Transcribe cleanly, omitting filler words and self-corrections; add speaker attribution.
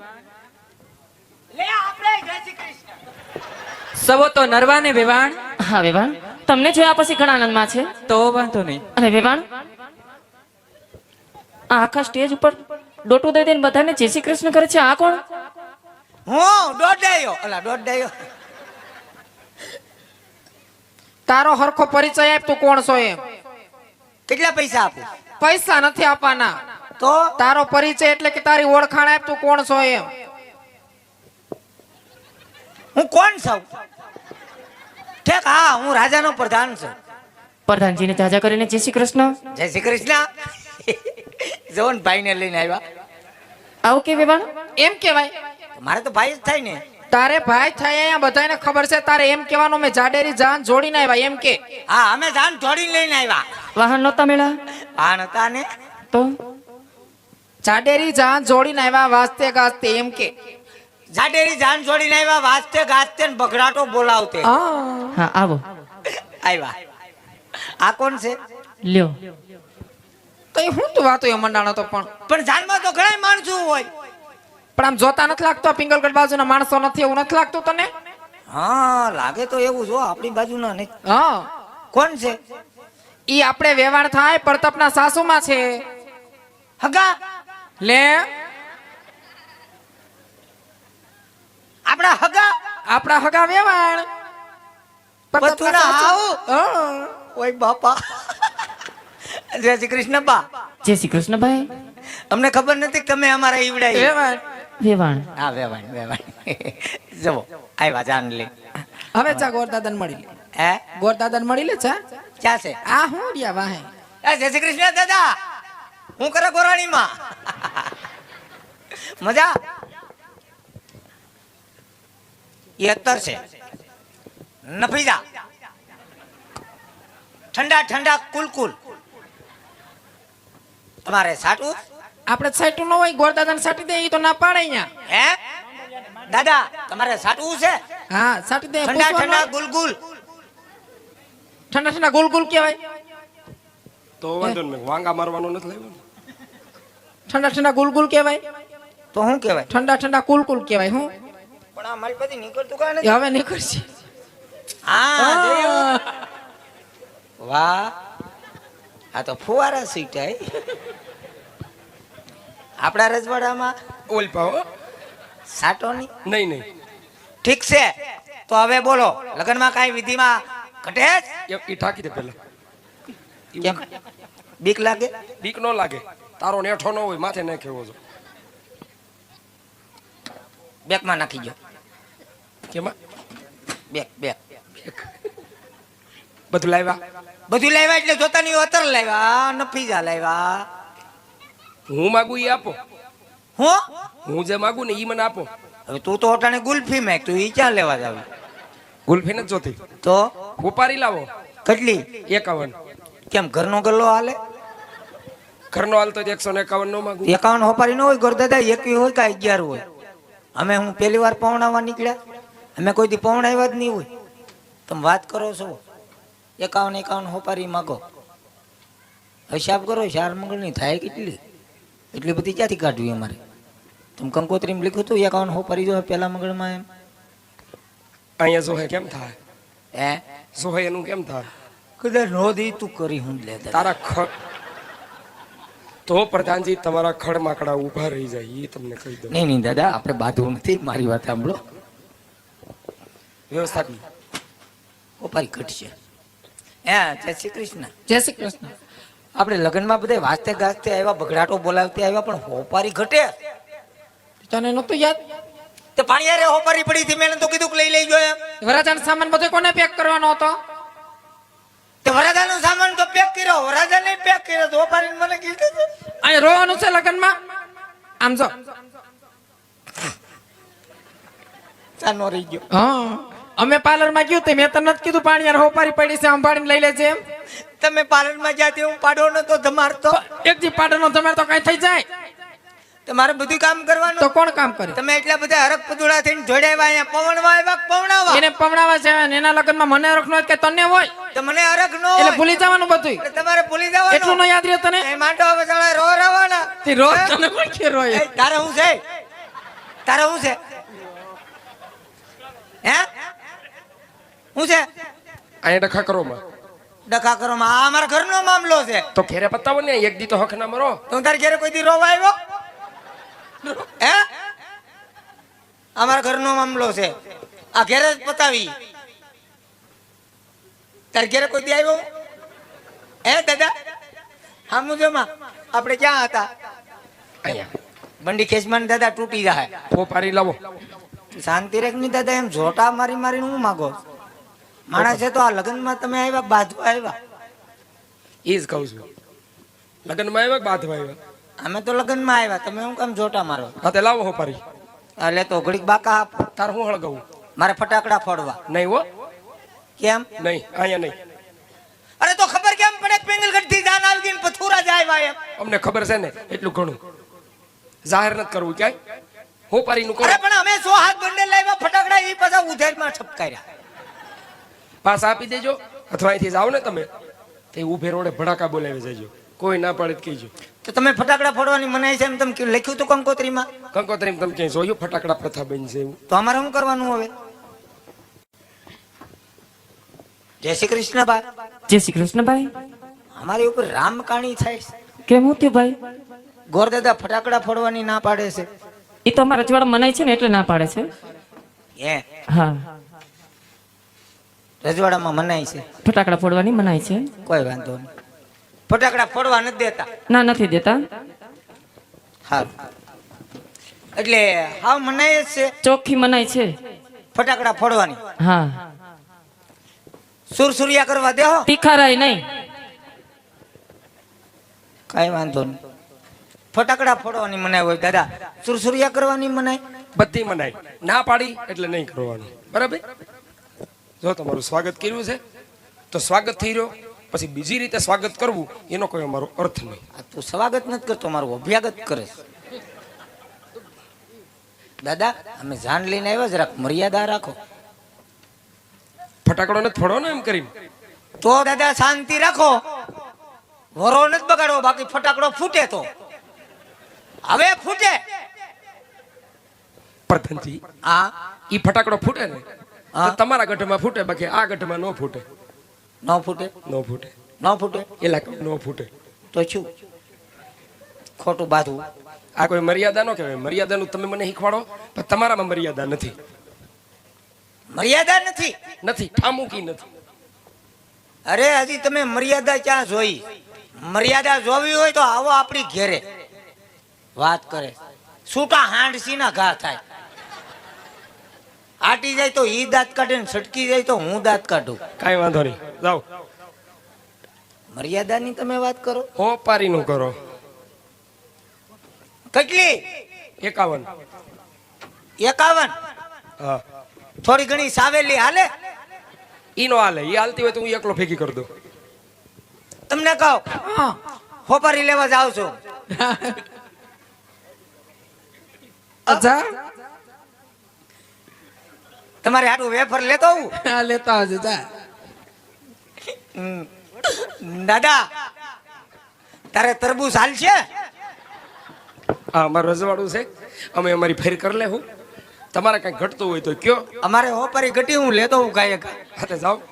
Speaker 1: લે આપણે જય શ્રી કૃષ્ણ.
Speaker 2: સવો તો નરવાને વેવાણ.
Speaker 3: હા વેવાણ, તમને જોયા પછી ઘણા આનંદમાં છે.
Speaker 2: તો વાંધો નહીં.
Speaker 3: અને વેવાણ, આ આખા સ્ટેજ ઉપર ડોટું દઈ દઈને બધાને જય શ્રી કૃષ્ણ કરે છે, આ કોણ?
Speaker 1: હું દોડાયો. અલા દોડાયો.
Speaker 4: તારો હરખો પરિચય આપ, તું કોણ છો એમ.
Speaker 1: કેટલા પૈસા આપું?
Speaker 4: પૈસા નથી આપવાના.
Speaker 1: તો
Speaker 4: તારો પરિચય એટલે કે તારી ઓળખાણ આપ, તું કોણ છો એમ.
Speaker 1: હું કોણ છું? ઠેક, હા, હું રાજાનો પ્રધાન છું.
Speaker 3: પ્રધાનજીને તાજા કરીને જય શ્રી કૃષ્ણ.
Speaker 1: જય શ્રી કૃષ્ણ. જોન ભાઈને લઈને આવ્યા.
Speaker 3: આવું કે વેવાણ?
Speaker 4: એમ કેવાય.
Speaker 1: મારે તો ભાઈ જ થાય ને.
Speaker 4: તારે ભાઈ થાય અહીંયા બધાને ખબર છે. તારે એમ કહેવાનું મેં જાડેરી જાન જોડીને આવ્યા એમ કે.
Speaker 1: હા, અમે જાન જોડીને લઈને આવ્યા.
Speaker 3: વાહન નહોતા મેળા
Speaker 1: હા નતા ને.
Speaker 3: તો
Speaker 4: જાડેરી જાન જોડીને આવ્યા વાસ્તે ગાસ્તે એમ કે.
Speaker 1: જાડેરી જાન જોડીને આવ્યા વાસ્તે ગાસ્તે ને બગડાટો બોલાવતે.
Speaker 3: હા આવો.
Speaker 1: આવ્યા. આ કોણ છે?
Speaker 3: લ્યો.
Speaker 4: તો એ હું તું વાતો એ મંડાણો તો
Speaker 1: પણ જાનમાં તો ઘણા માણસો હોય.
Speaker 4: પણ આમ જોતા નથી લાગતો પિંગલગઢ બાજુના માણસો નથી એવું નથી લાગતું તને?
Speaker 1: હા લાગે તો એવું જો આપણી બાજુના નહીં.
Speaker 4: હા.
Speaker 1: કોણ છે?
Speaker 4: ઈ આપણે વેવાણ થાય પ્રતાપના સાસુમાં છે.
Speaker 1: હગા
Speaker 4: લે
Speaker 1: આપણા હગા
Speaker 4: આપણા હગા વેવાણ
Speaker 1: પતુના હાવ. ઓય બાપા. જય શ્રી કૃષ્ણ બા.
Speaker 3: જય શ્રી કૃષ્ણ ભાઈ.
Speaker 1: અમને ખબર નથી કે તમે અમારા ઈવડાઈ.
Speaker 4: વેવાણ
Speaker 3: વેવાણ.
Speaker 1: હા વેવાણ વેવાણ. જવો આવ્યા જાન લે.
Speaker 4: હવે ચા ગોરદાદાને મળી લે.
Speaker 1: હે
Speaker 4: ગોરદાદાને મળી લે ચા.
Speaker 1: ક્યાં છે?
Speaker 4: આ હું રહ્યા વાહે.
Speaker 1: જય શ્રી કૃષ્ણ દાદા. હું કરે ગોરાણીમાં? મજા? એ અત્તર છે નફીજા. ઠંડા ઠંડા કુલકુલ. તમારે સાટું?
Speaker 4: આપણે સાઈટું ન હોય ગોરદાદાને સાટી દે ઈ તો ના પાડે અહીંયા.
Speaker 1: હે દાદા તમારે સાટવું છે?
Speaker 4: હા સાટી દે.
Speaker 1: ઠંડા ઠંડા
Speaker 4: પૂછવાનું.
Speaker 1: ગુલગુલ.
Speaker 4: ઠંડા ઠંડા ગુલ ગુલ કહેવાય.
Speaker 5: તો વાંધો નહીં, વાંગા મારવાનો નથી લાવ્યો ને.
Speaker 4: ઠંડા ઠંડા ગુલ ગુલ કહેવાય.
Speaker 1: તો શું કહેવાય?
Speaker 4: ઠંડા ઠંડા કુલ કુલ કહેવાય. હું
Speaker 1: પણ આ મારી પાસે નીકળતું કાંઈ
Speaker 4: એ
Speaker 1: નથી.
Speaker 4: હવે નીકળશે.
Speaker 1: હા જોયું? વાહ, આ તો ફુવારા સીટાય. આપણા રજવાડામાં
Speaker 5: ઓલ પાવ
Speaker 1: સાટો નહીં.
Speaker 5: નહીં નહીં,
Speaker 1: ઠીક છે, તો હવે બોલો લગ્નમાં કાંઈ વિધિમાં ઘટે જ?
Speaker 5: એ ઠાકી દે પેલા.
Speaker 1: કેમ બીક લાગે?
Speaker 5: બીક ન લાગે, તારો નેઠો ન હોય માથે ન ખેવો છો.
Speaker 1: બેકમાં નાખી ગયો.
Speaker 5: કેમાં
Speaker 1: બેક બેક
Speaker 5: બધું લાવ્યા?
Speaker 1: બધું લાવ્યા એટલે જોતા નહીં અતર લાવ્યા, નફીજા લાવ્યા.
Speaker 5: હું માગું ઈ આપો,
Speaker 1: હું
Speaker 5: હું જે માગું ને ઈ મને આપો.
Speaker 1: હવે તું તો અટાણે ગુલ્ફી મેક, તું ઈ ક્યાં લેવા જાવ?
Speaker 5: ગુલ્ફી નથી જોતી,
Speaker 1: તો
Speaker 5: ઉપારી લાવો.
Speaker 1: કેટલી?
Speaker 5: 51.
Speaker 1: કેમ ઘરનો ગલ્લો હાલે?
Speaker 5: ઘરનો હાલ તો 151 નો માગું.
Speaker 1: 51 હોપારી ન હોય ગોરદાદા, 21 હોય કે 11 હોય. અમે હું પહેલી વાર પવણાવવા નીકળ્યા, અમે કોઈ દી પવણાવ્યા જ નહીં હોય. તમે વાત કરો છો 51 હોપારી માગો. હિસાબ કરો, 4 મંગળની થાય કેટલી? એટલી બધી ક્યાંથી કાઢવી અમારે? તમે કંકોત્રીમાં લખ્યું હતું 51 હોપારી જો પહેલા મંગળમાં એમ.
Speaker 5: અહીંયા જોહે કેમ થાય?
Speaker 1: હે
Speaker 5: જોહે એનું કેમ થાય?
Speaker 1: કદાચ નોંધી તું કરી હું લે
Speaker 5: તારા તો પ્રધાનજી તમારા ખડ માકડા ઊભા રહી જાય એ તમને કહી દઉં.
Speaker 1: નહીં નહીં દાદા, આપણે બાંધવું નથી. મારી વાત સાંભળો.
Speaker 5: વ્યવસ્થા
Speaker 1: હોપારી ઘટશે. હે જય શ્રી કૃષ્ણ.
Speaker 4: જય શ્રી કૃષ્ણ.
Speaker 1: આપણે લગ્નમાં બધે વાજતે ગાજતે આવ્યા, બગડાટો બોલાવતે આવ્યા, પણ હોપારી ઘટે?
Speaker 4: તને નતું યાદ?
Speaker 1: તે પાણીયારે હોપારી પડી હતી, મેં તો કીધું કે લઈ લેજો એમ.
Speaker 4: વરાજાનો સામાન બધો કોને પેક કરવાનો હતો?
Speaker 1: તે વરાજાનો સામાન તો પેક કર્યો, વરાજાને પેક કર્યો, તો હોપારીને મને કીધું હતું.
Speaker 4: અહીં રોવાનું છે લગ્નમાં. આમ જો
Speaker 1: ચાનો રહી ગયો.
Speaker 4: હા, અમે પાર્લરમાં ગયું તે મેં તને નથી કીધું પાણી યાર હોપારી પડી છે સંભાળીને લઈ લેજે એમ?
Speaker 1: તમે પાર્લરમાં જ્યાં હું પાડો નતો ધમારતો.
Speaker 4: એક જી પાડનો તમારે તો કઈ થઈ જાય.
Speaker 1: તમારે બધું કામ કરવાનું.
Speaker 4: તો કોણ કામ કરે?
Speaker 1: તમે એટલા બધા હરક પદુડા થઈને જોડાવ્યા, અહીંયા પવણવા આવ્યા, પવણાવા.
Speaker 4: એને પમણાવા છે ને એના લગ્નમાં મને હરખ હોય કે તને હોય
Speaker 1: તો મને હરક નો
Speaker 4: એટલે
Speaker 1: હોય.
Speaker 4: ભૂલી જવાનું બધું.
Speaker 1: તમારે ભૂલી જવાનું.
Speaker 4: એટલું ન યાદ રહે તને?
Speaker 1: એ માંડો હવે સાલા રો રવાના.
Speaker 4: તે રોજ તને કોણ કે રોય?
Speaker 1: એ તારે હું છે? તારે શું છે હે શું છે
Speaker 5: અહીંયા ડખા કરો માં
Speaker 1: ડખા કરો માં આ અમારા ઘરનો મામલો છે
Speaker 5: તો ઘેરે પતાવો ને એક દી તો હક ના મરો
Speaker 1: તું તારે ઘેરે કોઈ દી રોવા આવ્યો હે અમારા ઘરનો મામલો છે આ ઘેરે જ પતાવી તારે ઘેરે કોઈ દી આવ્યો હે દાદા હા મુજોમાં આપણે ક્યાં હતા
Speaker 5: અહીંયા
Speaker 1: બંડી ખેંચમાં દાદા તૂટી જાય
Speaker 5: ફોપારી લાવો
Speaker 1: શાંતિ રેખ ની દાદા એમ જોટા મારી મારીને હું માગો માણસ છે તો આ લગ્નમાં તમે આવ્યા બાજવા આવ્યા
Speaker 5: એ જ કહું છું લગ્નમાં આવ્યા કે બાંધવા આવ્યા
Speaker 1: અમે તો લગ્નમાં આવ્યા તમે હું કામ જોટા મારો
Speaker 5: હા તે લાવો ફોપારી
Speaker 1: એટલે તો ઘડીક બાકા આપો
Speaker 5: તાર હું હળગાવું
Speaker 1: મારે ફટાકડા ફોડવા
Speaker 5: નહીં હો
Speaker 1: કેમ
Speaker 5: નહીં અહીંયા નહીં
Speaker 1: અરે તો ખબર કેમ પડે પેંગલગઢ થી જાન આવી ગઈ ને પથુરા જાય આવ્યા એમ
Speaker 5: અમને ખબર છે ને એટલું ઘણું જાહેર નથી કરવું ક્યાંય ફોપારી નું કરો
Speaker 1: અરે પણ અમે 100 હાથ બંને લાવ્યા ફટાકડા એ પાછા ઉધેરમાં છપકાર્યા
Speaker 5: પાસ આપી દેજો અથવા અહીંથી જાઓ ને તમે તે ઉભે રોડે ભડાકા બોલાવી જજો કોઈ ના પડે તો કહેજો
Speaker 1: તો તમે ફટાકડા ફોડવાની મનાઈ છે એમ તમે લખ્યું હતું કંકોત્રીમાં
Speaker 5: કંકોત્રી તમે ક્યાંય જોયું ફટાકડા પ્રથા બની છે એવું
Speaker 1: તો અમારે શું કરવાનું હવે જય શ્રી કૃષ્ણ બા
Speaker 3: જય શ્રી કૃષ્ણ ભાઈ
Speaker 1: અમારી ઉપર રામકાણી થાય છે
Speaker 3: કેમ હું થયું ભાઈ
Speaker 1: ગોરદાદા ફટાકડા ફોડવાની ના પાડે છે
Speaker 3: એ તો અમારા રજવાડા મનાય છે ને એટલે ના પાડે છે
Speaker 1: હે
Speaker 3: હા
Speaker 1: રજવાડામાં મનાય છે
Speaker 3: ફટાકડા ફોડવાની મનાય છે
Speaker 1: કોઈ વાંધો નહીં ફટાકડા ફોડવા નથી દેતા
Speaker 3: ના નથી દેતા
Speaker 1: હા એટલે હા મનાય જ છે
Speaker 3: ચોખ્ખી મનાય છે
Speaker 1: ફટાકડા ફોડવાની
Speaker 3: હા
Speaker 1: સુરસુરિયા કરવા દેહો
Speaker 3: તીખારાય નહીં
Speaker 1: કઈ વાંધો નહીં ફટાકડા ફોડવાની મનાય હોય દાદા સુરસુરિયા કરવાની મનાય
Speaker 5: બધી મનાય ના પાડી એટલે નહીં કરવાનું બરાબર જો તમારું સ્વાગત કર્યું છે તો સ્વાગત થઈ રહ્યો પછી બીજી રીતે સ્વાગત કરવું એનો કોઈ અમારો અર્થ નહીં
Speaker 1: આ તું સ્વાગત નથી કરતો મારું અભ્યાગત કરે છે. દાદા અમે જાન લઈને આવ્યા જરાક મર્યાદા રાખો
Speaker 5: ફટાકડો નથી ફોડો ને એમ કરીને
Speaker 1: તો દાદા શાંતિ રાખો વરો નથી બગાડવો બાકી ફટાકડો ફૂટે તો હવે ફૂટે
Speaker 5: પ્રધાનજી
Speaker 1: હા
Speaker 5: ઈ ફટાકડો ફૂટે ને
Speaker 1: હા.
Speaker 5: તો તમારા ગઢમાં ફૂટે બાકી આ ગઢમાં ન ફૂટે
Speaker 1: ન ફૂટે
Speaker 5: ન ફૂટે
Speaker 1: ન ફૂટે
Speaker 5: એલા ન ફૂટે
Speaker 1: તો શું ખોટું બાંધવું
Speaker 5: આ કોઈ મર્યાદા ન કહેવાય મર્યાદાનું તમે મને શીખવાડો પણ તમારામાં મર્યાદા નથી
Speaker 1: મર્યાદા નથી
Speaker 5: નથી ઠામુકી નથી
Speaker 1: અરે હજી તમે મર્યાદા ક્યાં જોઈ મર્યાદા જોવી હોય તો આવો આપણી ઘેરે વાત કરે છૂટા હાંડસી ના ઘા થાય આટી જાય તો ઈ દાંત કાઢે ને છટકી જાય તો હું દાંત કાઢું
Speaker 5: કાંઈ વાંધો નહીં જાઓ
Speaker 1: મર્યાદાની તમે વાત કરો
Speaker 5: હોપારીનું કરો
Speaker 1: કેટલી
Speaker 5: 51
Speaker 1: 51
Speaker 5: હા
Speaker 1: થોડી ઘણી સાવેલી હાલે
Speaker 5: ઈ નો હાલે ઈ હાલતી હોય તો હું એકલો ભેગી કરી દઉં
Speaker 1: તમને કહો હોપારી લેવા જાવ છો
Speaker 4: અચ્છા
Speaker 1: તમારે હાટું વેફર લેતો આવું
Speaker 4: આ લેતા આવજો જા
Speaker 1: દાદા તારે તરબૂચ હાલશે
Speaker 5: હા અમારું રજવાડું છે અમે અમારી ફેર કરી લે હું તમારે કઈ ઘટતું હોય તો કયો
Speaker 1: અમારે હોપારી ઘટી હું લેતો હું કાંઈ
Speaker 5: હા તો જાઓ